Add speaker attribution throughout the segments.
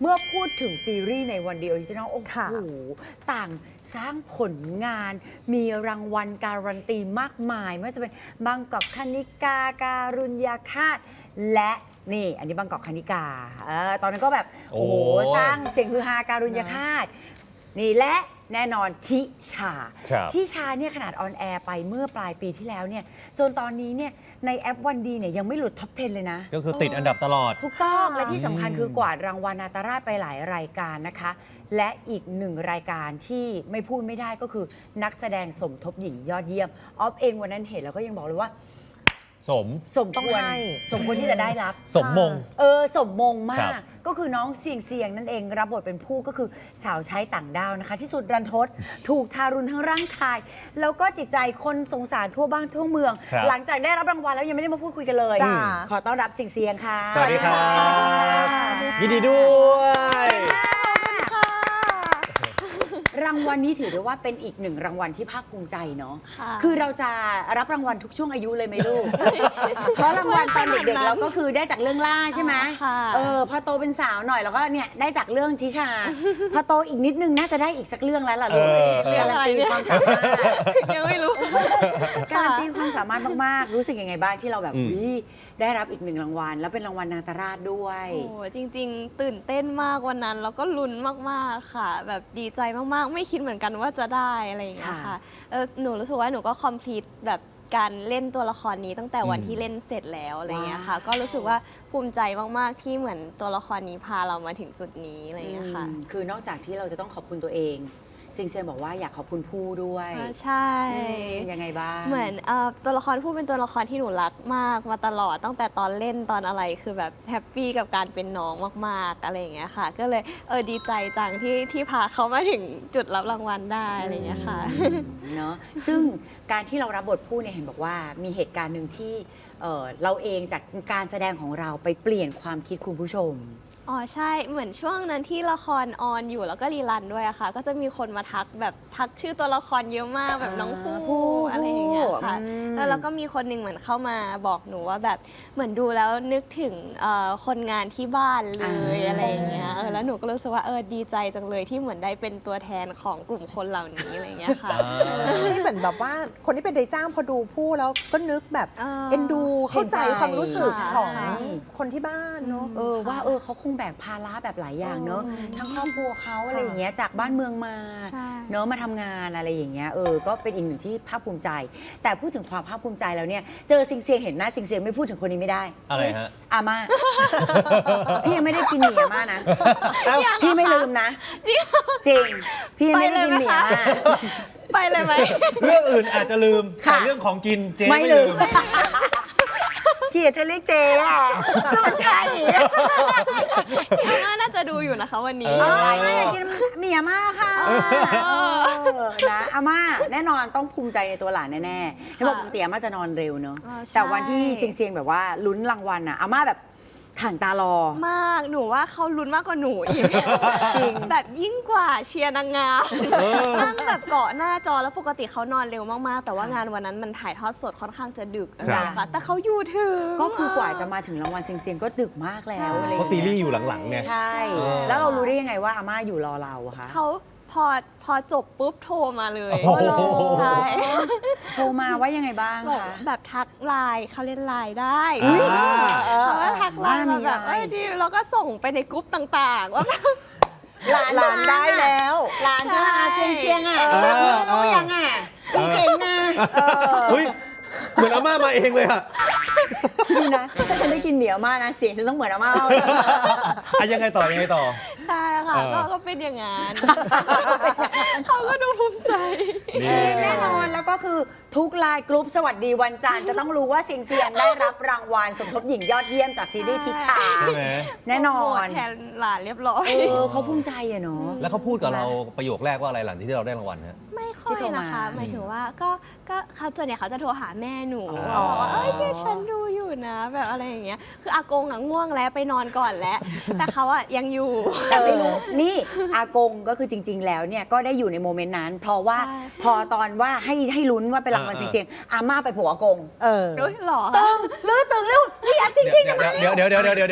Speaker 1: มื่อพูดถึงซีรีส์ในวันเดียวออริจินอลโอ้โหต่างสร้างผลงานมีรางวัลการันตีมากมายไม่ว่าจะเป็นบางกอกคณิกาการุญยาคาตและนี่อันนี้บางกอกคณิกาตอนนั้นก็แบบโอ้โหสร้างเสียงฮือฮาการุญยาคาตนี่และแน่นอนทิชาเนี่ยขนาดออนแอร์ไปเมื่อปลายปีที่แล้วเนี่ยจนตอนนี้เนี่ยในแอปวันดีเนี่ยยังไม่หลุดท็อป 10 เลยนะ
Speaker 2: ก็คือติดอันดับตลอด
Speaker 1: ถูกต้องและที่สำคัญคือกวาดรางวัลนาตราชไปหลายรายการนะคะและอีกหนึ่งรายการที่ไม่พูดไม่ได้ก็คือนักแสดงสมทบหญิงยอดเยี่ยมออฟเองวันนั้นเห็นแล้วก็ยังบอกเลยว่าสมควรที่จะได้รับ
Speaker 2: สมมง
Speaker 1: สมมงมากก็คือน้องเสียงนั่นเองรับบทเป็นผู้ก็คือสาวใช้ต่างดาวนะคะที่สุดรันทดถูกทารุณทั้งร่างกายแล้วก็จิตใจคนสงสารทั่วบ้านทั่วเมืองหลังจากได้รับรางวัลแล้วยังไม่ได้มาพูดคุยกันเลยขอต้อนรับเสียงค่ะ
Speaker 2: สวัสดีครับยินดีด้วย
Speaker 1: รางวัลนี้ถือได้ว่าเป็นอีกหนึ่งรางวัลที่ภาคภูมิใจเนาะคือเราจะรับรางวัลทุกช่วงอายุเลยไหมลูก เพราะรางวัลตอนเด็กๆเราก็คือได้จากเรื่องล่าใช่ไหมพอโตเป็นสาวหน่อยแล้วก็เนี่ยได้จากเรื่องทิชาพอโตอีกนิดนึงน่าจะได้อีกสักเรื่องแล้วล่ะลูกการันตีความสามารถ
Speaker 3: ยังไม่รู้
Speaker 1: การันตีความสามารถมากๆรู้สึกยังไงบ้างที่เราแบบได้รับอีกหนึ่งรางวัลแล้วเป็นรางวัลนาตราชด้วย
Speaker 3: โอ้จริงๆตื่นเต้นมากวันนั้นแล้วก็ลุ้นมากๆค่ะแบบดีใจมากๆไม่คิดเหมือนกันว่าจะได้อะไรอย่างเงี้ยค่ะหนูรู้สึกว่าหนูก็คอมพลีทแบบการเล่นตัวละครนี้ตั้งแต่วันที่เล่นเสร็จแล้วอะไรอย่างเงี้ยค่ะก็รู้สึกว่าภูมิใจมากๆที่เหมือนตัวละครนี้พาเรามาถึงจุดนี้อะไรอย่างเงี้ยค่ะ
Speaker 1: คือนอกจากที่เราจะต้องขอบคุณตัวเองเซียงบอกว่าอยากขอบคุณผู้ด้วย
Speaker 3: ใช่
Speaker 1: ยังไงบ้าง
Speaker 3: เหมือนตัวละครผู้เป็นตัวละครที่หนูรักมากมาตลอดตั้งแต่ตอนเล่นตอนอะไรคือแบบแฮปปี้กับการเป็นน้องมากๆอะไรอย่างเงี้ยค่ะก็เลยดีใจจังที่พาเขามาถึงจุดรับรางวัลได้อะไรอย่างเงี้ยค่ะ
Speaker 1: เนาะซึ่งการที่เรารับบทผู้เนี่ยเห็นบอกว่ามีเหตุการณ์หนึ่งที่เราเองจากการแสดงของเราไปเปลี่ยนความคิดคุณผู้ชม
Speaker 3: อ๋อใช่เหมือนช่วงนั้นที่ละครออนอยู่แล้วก็รีรันด้วยอะค่ะก็จะมีคนมาทักชื่อตัวละครเยอะมากแบบน้องผู้อะไรอย่างเงี้ยค่ะแล้วก็มีคนหนึ่งเหมือนเข้ามาบอกหนูว่าแบบเหมือนดูแล้วนึกถึงคนงานที่บ้านเลยอะไรอย่างเงี้ยแล้วหนูก็รู้สึกว่าดีใจจังเลยที่เหมือนได้เป็นตัวแทนของกลุ่มคนเหล่านี้อะไรอย่างเงี้ยค่ะ
Speaker 4: นี่เหมือนแบบว่าคนที่เป็นนายจ้างพอดูผู้แล้วก็นึกแบบเอ็นดูเข้าใจความรู้สึกของคนที่บ้านเนาะ
Speaker 1: ว่าเขาคงแบกภาระแบบหลายอย่างเนอะทั้งครอบครัวเขาอะไรอย่างเงี้ยจากบ้านเมืองมาเนอะมาทำงานอะไรอย่างเงี้ยก็เป็นอีกหนึ่งที่ภาคภูมิใจแต่พูดถึงความภาคภูมิใจแล้วเนี่ยเจอซิงเซียงเห็นหน้าซิงเซียงไม่พูดถึงคนนี้ไม่ได้
Speaker 2: อะไรฮะ
Speaker 1: อาม่าพี่ยังไม่ได้กินหมี่อาม่านะพี่ไม่ลืมนะจริงพี่ไม่ได้กินหมี่อาม่า
Speaker 3: ไปเลยไหม
Speaker 2: เรื่องอื่นอาจจะลืมแต่เรื่องของกินเจ๊ไม่ลืม
Speaker 1: เกียรติเรียกเจ๊อะต้องใช่
Speaker 3: อาม่าน่าจะดูอยู่นะคะวันนี้
Speaker 1: อาม่าอยากกินหมี่อาม่าค่ะนะอาม่าแน่นอนต้องภูมิใจในตัวหลานแน่ๆที่บอกปกติอาม่าจะนอนเร็วเนอะแต่วันที่เซียงแบบว่าลุ้นรางวัลอะอาม่าแบบถ่างตารอ
Speaker 3: มากหนูว่าเขาลุ้นมากกว่าหนูอีกจริงแบบยิ่งกว่าเชียร์นางงามนั่งแบบเกาะหน้าจอแล้วปกติเขานอนเร็วมากๆแต่ว่างานวันนั้นมันถ่ายทอดสดค่อนข้างจะดึกนะคะแต่เขาอยู่ถึง
Speaker 1: ก็คือกว่าจะมาถึงรางวัลเซียงก็ดึกมากแล้ว
Speaker 2: เพราะซีรีส์อยู่หลังๆเนี่ย
Speaker 1: ใช่แล้วเรารู้ได้ยังไงว่าอาม่าอยู่รอเราคะ
Speaker 3: เขาพอจบปุ๊บโทรมาเลย
Speaker 1: ใช่โทรมาว่ายังไงบ้างคะ
Speaker 3: แบบทักไลน์เขาเล่นไลน์ได้เขาก็ทักไลน์มาแบบดีแล้วก็ส่งไปในกรุ๊ปต่างๆว่า
Speaker 4: หลานได้แล้ว
Speaker 1: หลานจะเซียงอ่ะรู้ยังอ่ะเก่งนะ
Speaker 2: เหมือนอาม่ามาเองเลยอะ
Speaker 1: นี่นะถ้าฉันได้กินหมี่อาม่านะเสียงฉันต้องเหมือนอาม่า
Speaker 2: ยังไงต่อ
Speaker 3: ใช่ค่ะก็เป็นอย่างนั้นเขาก็ดูภูมิใจ
Speaker 1: แน่นอนแล้วก็คือทุกไลน์กรุ๊ปสวัสดีวันจันทร์จะต้องรู้ว่าเซียงได้รับรางวัลสมทบหญิงยอดเยี่ยมจากซีรีส์ทิชาแน่นอน
Speaker 3: แทนหลานเรียบร้อย
Speaker 1: เขาภูมิใจอะเนาะ
Speaker 2: แล้วเขาพูดกับเราประโยคแรกว่าอะไรหลังที่เราได้รางวัลฮะ
Speaker 3: ไม่ค่อยนะคะหมายถึงว่าก็เขาส่วนใหญ่เขาจะโทรหาแม่หนูบอกว่าแม่ฉันดูอยู่นะแบบอะไรอย่างเงี้ยคืออากงง่วงแล้วไปนอนก่อนแล้วแต่เขาอะยังอยู่
Speaker 1: แต่ไม่รู้นี่อากงก็คือจริงๆแล้วเนี่ยก็ได้อยู่ในโมเมนต์นั้นเพราะว่าพอตอนว่าให้ลุ้นว่าเป็นรางวัลเซียงอาม่าไปผัวอากง
Speaker 3: หรอ
Speaker 1: ตึงเร็วนี่อาจริงๆ
Speaker 2: เดี๋ยว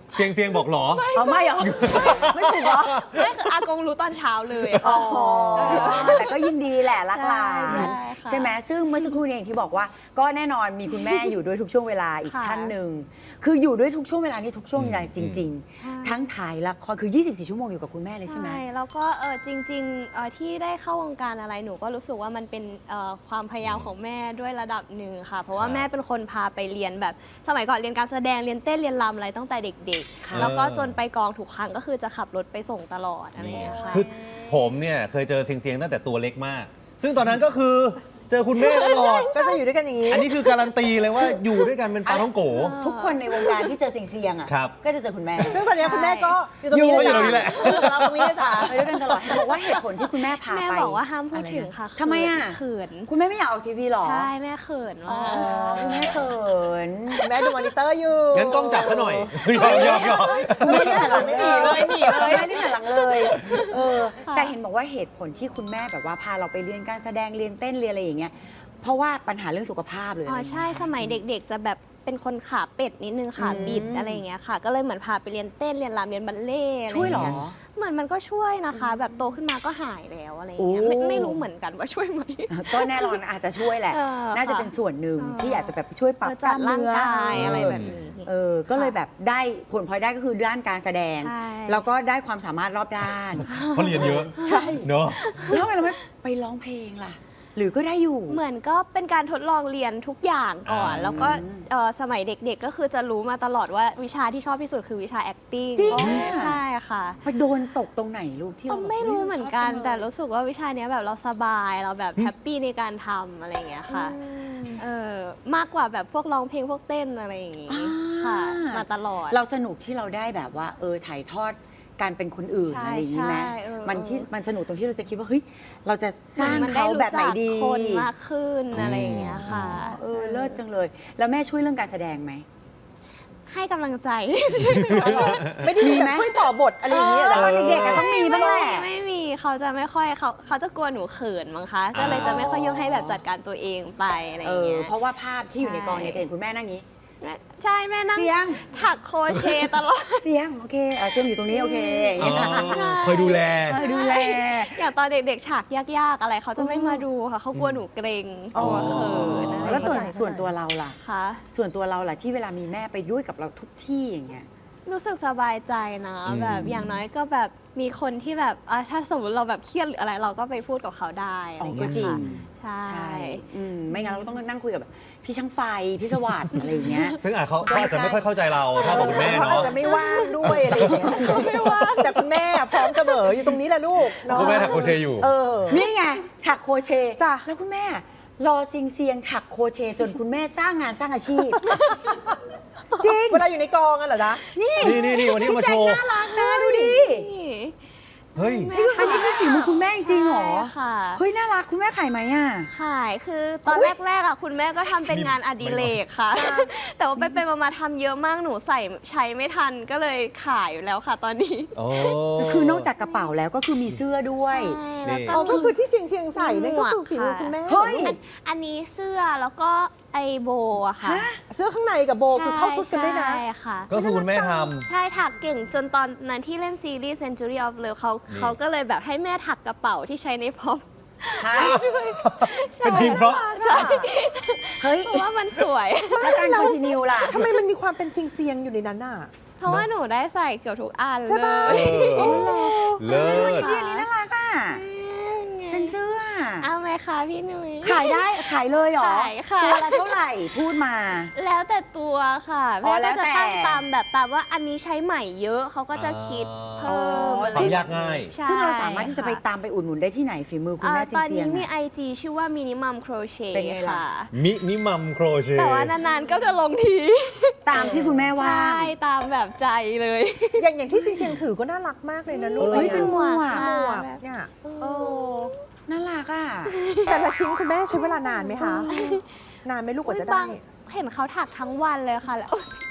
Speaker 2: เสียงบอกหรอ
Speaker 1: เอาไม่เหรอ ไม่ถูกเหรอ
Speaker 3: ไม่คืออากงรู้ตอนเช้าเลย
Speaker 1: อ๋
Speaker 3: ค่ะ
Speaker 1: อแต่ก็ยินดีแหละรักหลาน
Speaker 3: ใช่ค่ะ
Speaker 1: ใช่ไหมซึ่งเมื่อสักครู่นี้อย่างที่บอกว่า ก็แน่นอนมีคุณแม่อยู่ด้วยทุกช่วงเวลาอีก
Speaker 3: ค่ะ
Speaker 1: ท่านหนึ่งคืออยู่ด้วยทุกช่วงเวลานี่ทุกช่วงเวลาจริง
Speaker 3: ใช่
Speaker 1: ๆ ทั้งถ่ายละครคือ 24 ชั่วโมงอยู่กับคุณแม่เลยใช่ไหม
Speaker 3: ใช่แล้วก็จริงๆที่ได้เข้าวงการอะไรหนูก็รู้สึกว่ามันเป็นความพยายามของแม่ด้วยระดับหนึ่งค่ะ เพราะว่า
Speaker 2: ครับ
Speaker 3: แม่เป็นคนพาไปเรียนแบบสมัยก่อนเรียนการแสดงเรียนเต้นเรียนรำอะไรตั้งแต่เด็ก
Speaker 1: ค่ะ
Speaker 3: ๆ แล้วก็จนไปกองทุกครั้งก็คือจะขับรถไปส่งตลอดอะไรอย่างเงี้ยค่ะ
Speaker 2: คือผมเนี่ยเคยเจอเสียงตั้งแต่ตัวเล็กมาก ซึ่งตอนนั้นก็คือเจอคุณแม่ตลอด
Speaker 4: ก็จะอยู่ด้วยกันอย่างนี้
Speaker 2: อันนี้คือการันตีเลยว่าอยู่ด้วยกันเป็นปลาท้องโก
Speaker 1: ทุกคนในวงการที่เจอสิ่งเสี่ยงอ่ะ
Speaker 2: ครับ
Speaker 1: ก็จะเจอคุณแม่
Speaker 4: ซึ่งตอนนี้คุณแม่ก็อยู่ตรงนี้
Speaker 2: อยู่ตรงนี้แหละ
Speaker 4: เราตรงนี้เลยจ้ะ
Speaker 1: ไปด้วยกันตลอดบอกว่าเหตุผลที่คุณแม่พาไป
Speaker 3: แม่บอกว่าห้ามพูดถึงค่ะ
Speaker 1: ทำไมอ่ะ
Speaker 3: เขิน
Speaker 1: คุณแม่ไม่อยากออกทีวีหรอ
Speaker 3: ใช่แม่เขิน
Speaker 1: อ๋อ
Speaker 3: มาก
Speaker 1: คุณแม่เขิน
Speaker 4: แม่ดูมอนิเตอร์อยู่
Speaker 2: งั้นกล้องจับซะหน่อยยอม
Speaker 1: คุณแม่ได้หันหลัง
Speaker 4: ไม่หนีเลยหนีเลย
Speaker 1: ไม่ได้หันหลังเลยแต่เห็นบอกว่าเหตุผลที่คุณแม่แบบว่าพาเราไปเรียนการแสดงเรียนเต้นเรียนอะไรอย่างเงี้ยเพราะว่าปัญหาเรื่องสุขภาพเลย
Speaker 3: อ๋อใช่สมัยเด็กๆ จะแบบเป็นคนขาเป็ดนิดนึงขาบิดอะไรอย่างเงี้ยค่ะ ก็เลยเหมือนพาไปเรียนเต้นเรียนรำเรียนบัลเล่ต์ะไร
Speaker 1: ช่วยเหรอ
Speaker 3: างงี้เหมือนมันก็ช่วยนะคะ แบบโตขึ้นมาก็หายแล้วอะไรอย่างเงี้ย
Speaker 1: โอ้
Speaker 3: ไม่รู้เหมือนกันว่าช่วยไหม
Speaker 1: ก็แน่นอนอาจจะช่วยแหละ
Speaker 3: เออ
Speaker 1: น่าจะเป็นส่วนหนึ่งที่อาจจะแบบช่วยปรับ
Speaker 3: จัดร่าง
Speaker 1: เนื้
Speaker 3: กายอะไรแบบนี้
Speaker 1: ก็เลยแบบได้ผลพลอยได้ก็คือด้านการแสดง
Speaker 3: ใช่
Speaker 1: แล้วก็ได้ความสามารถรอบด้าน
Speaker 2: เพราะเรียนเยอะ
Speaker 1: ใช่
Speaker 2: เนาะ
Speaker 1: แล้วทำไมเราไม่ไปร้องเพลงล่ะ หรือก็ได้อยู่
Speaker 3: เหมือนก็เป็นการทดลองเรียนทุกอย่างก่อน แล้วก็สมัยเด็กๆ ก็คือจะรู้มาตลอดว่าวิชาที่ชอบที่สุดคือวิชา acting
Speaker 1: จริง
Speaker 3: ใช่ค่ะ
Speaker 1: ไปโดนตกตรงไหนลูกที่เรา
Speaker 3: ไม่รู้เหมือนกัน
Speaker 1: ชอบจังเลย
Speaker 3: แต่รู้สึกว่าวิชาเนี้ยแบบเราสบายเราแบบแฮปปี้ในการทำอะไรอย่างเงี้ยค่ะมากกว่าแบบพวกร้องเพลงพวกเต้นอะไรอย่างงี้ค่ะ มาตลอด
Speaker 1: เราสนุกที่เราได้แบบว่าถ่ายทอดการเป็นคนอื่น
Speaker 3: ใช่
Speaker 1: อะไรอย่างนี้ไหม
Speaker 3: ใช่
Speaker 1: มันสนุกตรงที่เราจะคิดว่าเฮ้ยเราจะสร้าง
Speaker 3: มันได้
Speaker 1: เขา
Speaker 3: รู้
Speaker 1: แบบไหน
Speaker 3: จัก
Speaker 1: ดี
Speaker 3: คนมากขึ้นอะไรอย่างเงี้ยค่ะ
Speaker 1: เลิศจังเลย แล้วแม่ช่วยเรื่องการแสดงไหม
Speaker 3: ให้กำลังใจ
Speaker 4: ไม่ได้มีแบบช่วยต่อบทอะไรอย่างเงี้ยเหร
Speaker 1: แล้
Speaker 4: อ
Speaker 1: วตอนเด็กๆอะต้องมีบ้างแหละ
Speaker 3: ไม่มีเขาจะไม่ค่อยเขาจะกลัวหนูเขินมั้งคะ ก็เลยจะไม่ค่อยยกให้แบบจัดการตัวเองไปอะไรอย่างเงี้ย
Speaker 1: เพราะว่าภาพที่อยู่ในกองเนี่ย
Speaker 3: ใช่
Speaker 1: จะเห็นคุณแม่นั่งนี้
Speaker 3: ใช่แม่นั่ง
Speaker 1: เสียง
Speaker 3: ถักโครเชต์ตลอด
Speaker 1: เสียงโอเคเสียงอยู่ตรงนี้โอเคอย่างเงี้ย
Speaker 2: คอยดูแล
Speaker 1: ดูแล
Speaker 3: อย่างตอนเด็กๆฉากยากๆอะไรเขาจะไม่มาดูค่ะเขากลัวหนูเกรงกลัวเขินอะไร
Speaker 1: แล้ว
Speaker 4: เข้าใจ
Speaker 1: ส่วนตัวเราล่ะ
Speaker 3: ค่ะ
Speaker 1: ส่วนตัวเราล่ะที่เวลามีแม่ไปด้วยกับเราทุกที่อย่างเงี้ย
Speaker 3: รู้สึกสบายใจนะ แบบอย่างน้อยก็แบบมีคนที่แบบถ้าสมมติเราแบบเครียดหรืออะไรเราก็ไปพูดกับเขาได้อะไรอย่างเงี้ย
Speaker 1: ก็จริง
Speaker 3: ค่ะใช่
Speaker 1: ไม่งั้นเราต้องนั่งคุยกับแบบพี่ช่างไฟพี่สวัสดิ์อะไรอย่างเงี้ย
Speaker 2: ซึ่งเขาอาจจะไม่ค่อยเข้าใจเราเท่ากับคุณแม่
Speaker 4: เขาอาจ
Speaker 2: เนาะ
Speaker 4: จะไม่ว่างด้วยอะไรอย่างเงี้ยไม่ว่างแต่คุณแม่พร้อมเสมออยู่ตรงนี้แหละลูกเนาะ
Speaker 2: คุณแม่ถักโครเชต์อยู่
Speaker 1: นี่ไงถักโครเชต์
Speaker 4: จ้ะ
Speaker 1: แล้วคุณแม่รอซิงเซียงถักโครเชต์จนคุณแม่สร้างงานสร้างอาชีพ จริง
Speaker 4: เวลาอยู่ในกองกันเหรอจ๊ะ
Speaker 1: นี่
Speaker 2: นี่วันนี้มาโชว์
Speaker 1: น่ารักนะดูดิ
Speaker 3: นี่
Speaker 2: เฮ้ย
Speaker 1: อันนี้เป็นฝีมือคุณแม่จริงเหรอ
Speaker 3: ใช่ค่ะ
Speaker 1: เฮ้ยน่ารักคุณแม่ขายไหมอ่ะ
Speaker 3: ขายคือตอนแรกๆอ่ะคุณแม่ก็ทำเป็นงานอดิเรกค่ะ แต่ว่าไปๆมาๆทำเยอะมากหนูใช้ไม่ทันก็เลยขายอยู่แล้วค่ะตอนนี้
Speaker 2: โอ้
Speaker 1: คือนอกจากกระเป๋าแล้วก็คือมีเสื้อด้วย
Speaker 3: ใช่แล้วก็
Speaker 4: อ๋อก็
Speaker 3: มี
Speaker 4: คือที่เสียงใส่นั่นก็คือฝีมือคุณแม่
Speaker 1: เฮ้ย
Speaker 3: อันนี้เสื้อแล้วก็ไอโบอะค่ะ
Speaker 4: เสื้อข้างในกับโบคือเข้าชุดกันด้วยนะ
Speaker 3: ใช่ค่ะ
Speaker 2: ก็คือคุณแม่ท
Speaker 3: ใช่ถักเก่งจนตอนนั้นที่เล่นซีรีส์ Century of Love เขาก็เลยแบบให้แม่ถักกระเป๋าที่ใช้ในพร็อพ
Speaker 1: ฮะ
Speaker 2: ำเป็นทีมเพราะ
Speaker 3: ใช่
Speaker 1: เฮ้ย
Speaker 3: เพราะว่ามันสวย
Speaker 1: แล้วการคอนติเนียล่ะ
Speaker 4: ทำไมมันมีความเป็นเสียงๆอยู่ในนั้นน่ะ
Speaker 3: เพราะว่าหนูได้ใส่เกือบทุกอัน
Speaker 4: ใช่
Speaker 3: เล
Speaker 4: ปะ
Speaker 3: ย
Speaker 2: เลิศ
Speaker 1: เดี๋ยวนี้น่ารักอ่ะ เป็นเสื้อ
Speaker 3: เอาไหมคะพี่นุ้ย
Speaker 1: ขายได้ขายเลยเหรอ
Speaker 3: ขายค่ะ
Speaker 1: ตัวละเท่าไหร่พูดมา
Speaker 3: แล้วแต่ตัวค่ะ
Speaker 1: อ๋อ
Speaker 3: แม่
Speaker 1: แล้
Speaker 3: ก็
Speaker 1: ว
Speaker 3: จะ
Speaker 1: แต่
Speaker 3: ตั้งตามว่าอันนี้ใช้ใหม่เยอะเขาก็จะคิดเพิ่ม
Speaker 1: อ๋อ
Speaker 3: อะไร
Speaker 2: ความยากง่าย
Speaker 3: ใช่
Speaker 1: ซึ่งเราสามารถที่จะไป
Speaker 3: ค่
Speaker 1: ตามไปอุดหนุนได้ที่ไหนฝีมือคุณแม่ซิ
Speaker 3: ต
Speaker 1: น
Speaker 3: อน
Speaker 1: เซีย
Speaker 3: นี้
Speaker 1: ง
Speaker 3: มี
Speaker 1: อะ
Speaker 3: IG ชื่อว่า Minimum Crochet
Speaker 1: เป็นไงล่ะ
Speaker 3: ค่ะ
Speaker 2: มินิมัมโครเชต์
Speaker 3: แต่ว่านานๆก็จะลงที
Speaker 1: ตามที่คุณแม่ว่า
Speaker 3: ใช่ตามแบบใจเลย
Speaker 4: อย่างที่เสียงๆถือก็น่ารักมากเลยนะลูก
Speaker 1: เฮ้ยเป็นหมวก
Speaker 3: ค่ะ
Speaker 4: หมวกเนี่ยเออ
Speaker 1: น่ารักอ่ะ
Speaker 4: แต่ละชิ้นคุณแม่ใช้เวลานานไหมคะ นานไหมลูกกว่าจะได้
Speaker 3: เห็นเขาถักทั้งวันเลยค่ะแล้ว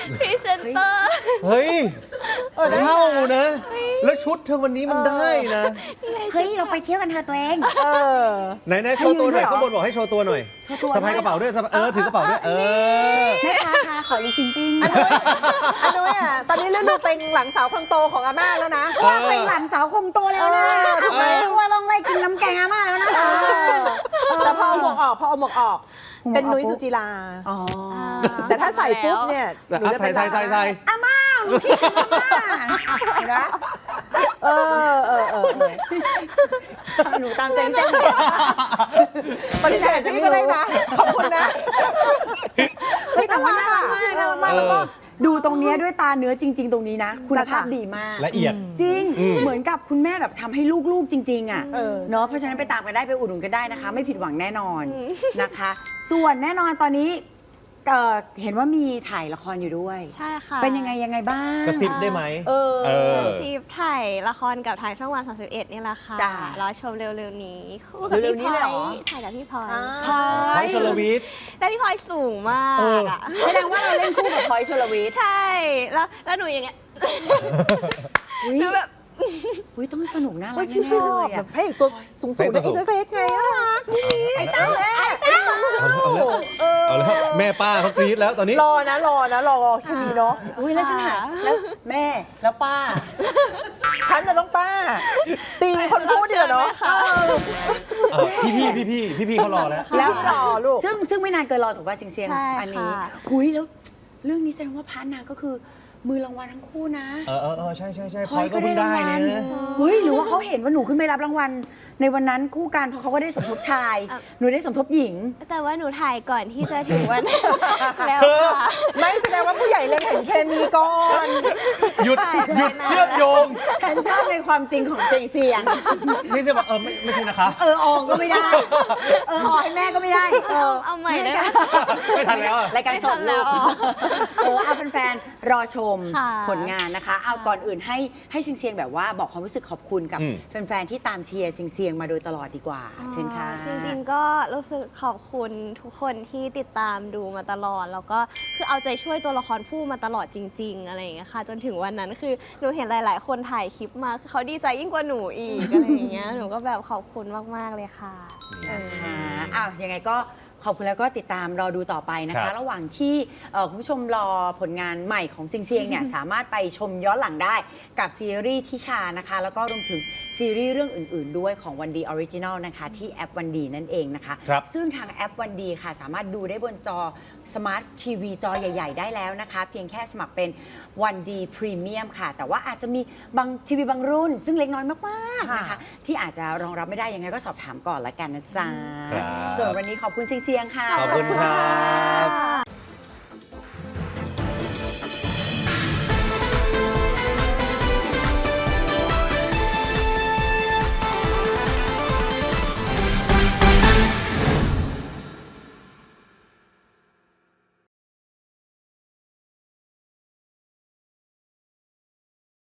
Speaker 3: พรีเซนเตอร์
Speaker 2: เฮ้ย
Speaker 4: ได้นะ
Speaker 2: เข้านะ แล้วชุดเธอวันนี้มันได้นะ
Speaker 1: เฮ้ย เราไปเที่ยวกันเธอะตัวเอง
Speaker 4: เออ
Speaker 2: ไหนๆโชว์ตัวหน่อย
Speaker 1: ให้ยืนด้วยเหรอ
Speaker 2: ข้างบนบอกให้โชว์ตัวหน่อย
Speaker 1: โชว์ตัว
Speaker 2: สะพายกระเป๋าด้วยถือกระเป๋าด้วย
Speaker 1: แม่ค้าคะขอรีชิมปิ้ง
Speaker 4: อันนู้นอ่ะตอนนี้เรื่องดูเป็นหลังสาวคนโตของอาม่าแล้วนะ
Speaker 1: ว่าเป็นหลานสาวคงโตแล้วนะ
Speaker 4: ทำไม
Speaker 1: ว่าลองไล่กินน้ำแกงอาม่าแล้วนะ
Speaker 4: แต่พอเอาหมวกออกเป็นนุ้ยสุจิรา
Speaker 1: อ๋อ
Speaker 4: แต่ถ้าใส่ปุ๊บเนี่ยหนูจะเป็น
Speaker 2: ใส่
Speaker 1: อาม่าหนูคิดถึงอาม่า
Speaker 4: นะเออ
Speaker 1: หนูตามใจพี่แจ๊ค
Speaker 4: ปฏิเสธพี่ก็ได้นะ ขอบคุณนะ
Speaker 1: เฮ้ยแต่ว่าน่ารักมากน่ารักมากแล้วก็ดูตรงเนี้ยด้วยตาเนื้อจริง ๆ ตรงนี้นะ คุณภาพดีมาก
Speaker 2: ละเอียด
Speaker 1: จริง
Speaker 2: อืม
Speaker 1: เหมือนกับคุณแม่แบบทำให้ลูกๆจริง ๆ อ่ะ
Speaker 4: เออ
Speaker 1: เนาะเพราะฉะนั้นไปตามกันได้ไปอุดหนุนกันได้นะคะ ไม่ผิดหวังแน่นอนนะคะ ส่วนแน่นอนตอนนี้เห็นว่ามีถ่ายละครอยู่ด้วย
Speaker 3: ใช่ค่ะ
Speaker 1: เป็นยังไงบ้าง
Speaker 2: กระซิบได้ไหม
Speaker 1: เออ
Speaker 3: ซีฟถ่ายละครกับทางช่องวัน 31 นี่แหละค่ะ
Speaker 1: จ้ะ
Speaker 3: รอชมเร็วๆนี้คู่กับ
Speaker 1: เร็
Speaker 3: พี่
Speaker 1: วๆนี้
Speaker 3: พล
Speaker 1: เลยเหร
Speaker 3: อ
Speaker 1: อ
Speaker 3: ยถ่ายกับพี่พลอย
Speaker 1: พลอ
Speaker 2: พลอย
Speaker 1: ย
Speaker 2: ชลวิทย์
Speaker 3: แต่พี่พลอยสูงมาก
Speaker 2: เออ
Speaker 3: อ่ะ
Speaker 1: แสดงว่าเราเล่นคู่กับพลอยชลวิทย์
Speaker 3: ใช่ แล้วหนูอย่างเงี้ย
Speaker 1: อุ๊ย
Speaker 3: หนูแบบ
Speaker 1: อุ๊ยต้องสนุกน่ารั
Speaker 4: เฮ้
Speaker 1: ก
Speaker 4: ยพี่ช
Speaker 1: แน่
Speaker 4: อ
Speaker 1: ๆเล
Speaker 4: บ
Speaker 1: ย
Speaker 4: แบ
Speaker 1: อ่ะ
Speaker 4: บพระเอกตัวสูงๆได้อีกเล็กๆไงน่ารักไอ้เต้าแม่
Speaker 2: เอาแล้วแม่ป้าเขากรี๊ดแล้วตอนนี้
Speaker 4: รอแค่นี้เนาะ
Speaker 1: อุ้ยแล้วฉันหาแล้วแม่แล้วป้า
Speaker 4: ฉันน่ะต้องป้า ตีคนพูดเดี๋ยวเนาะ
Speaker 2: พี่เขารอแล้ว
Speaker 1: แล้ว
Speaker 4: รอลูก
Speaker 1: ซึ่งไม่นานเกินรอถูกป่ะเสียง
Speaker 3: ใช่
Speaker 1: ๆอันนี้
Speaker 3: ค่ะ
Speaker 1: หุยแล้วเรื่องนี้แสดงว่าพาร์ทนาก็คือมือรางวัลทั้งคู่นะ
Speaker 2: ใช่พลอยก็เพิ่งได้เนี่ยนะ
Speaker 1: เฮ้ยหรือว่าเขาเห็นว่าหนูขึ้นไปรับรางวัลในวันนั้นคู่กันเพราะเขาก็ได้สมทบชาย หนูได้สมทบหญิง
Speaker 3: แต่ว่าหนูถ่ายก่อนที่จะถึงวัน แล้วค่ะ
Speaker 4: ไม่แสดงว่าผู้ใหญ่เล็งเห็นเคมีก่อน
Speaker 2: หยุดเชื่อมโยง
Speaker 1: ฉันชอบในความจริงของเสียง
Speaker 2: นี่จะบอกไม่ใช่นะคะ
Speaker 1: ออกก็ไม่ได้ออกให้แม่ก็ไม่ได้
Speaker 3: เอาใหม่ได้ไหม
Speaker 2: ไม่ทันแล้วอะ
Speaker 1: รายการสดลูกเอาแฟนๆรอชม
Speaker 3: ค่ะ
Speaker 1: ผลงานนะคะ เอาก่อนอื่นให้เสียงๆแบบว่าบอกความรู้สึกขอบคุณกับแฟนๆที่ตามเชียร์เสียงๆมาโดยตลอดดีกว่า เชิญค่ะ
Speaker 3: จริงๆก็รู้สึกขอบคุณทุกคนที่ติดตามดูมาตลอด แล้วก็คือเอาใจช่วยตัวละครผู้มาตลอดจริง ๆ อะไรอย่างเงี้ยค่ะ จนถึงวันนั้นคือหนูเห็นหลาย ๆ คนถ่ายคลิปมาคือเขาดีใจยิ่งกว่าหนูอีก อะไรอย่างเงี้ยหนูก็แบบขอบคุณมากๆเลยค่ะ
Speaker 1: ค่ะอ้าวยังไงก็ขอบคุณแล้วก็ติดตามรอดูต่อไปนะ
Speaker 2: ครั
Speaker 1: คะ
Speaker 2: บ
Speaker 1: ระหว่างที่คุณผู้ชมรอผลงานใหม่ของซิงเซียงเนี่ย สามารถไปชมย้อนหลังได้กับซีรีส์ทิชานะคะ แล้วก็รวมถึงซีรีส์เรื่องอื่น ๆ ด้วยของวันดีออริจินอลนะคะที่แอปวันดีนั่นเองนะคะ
Speaker 2: ครับ
Speaker 1: ซึ่งทางแอปวันดีค่ะ สามารถดูได้บนจอสมาร์ททีวีจอใหญ่ ๆ ได้แล้วนะคะ เพียงแค่สมัครเป็นวันดีพรีเมียมค่ะ แต่ว่าอาจจะมีบางทีวีบางรุ่น ซึ่งเล็กน้อยมากๆนะคะที่อาจจะรองรับไม่ได้ยังไงก็สอบถามก่อนละกันนะจ๊ะ
Speaker 2: ครับ
Speaker 1: ส่วนวันนี้ขอบคุณเสียงๆค่ะ
Speaker 2: ขอบคุณครับ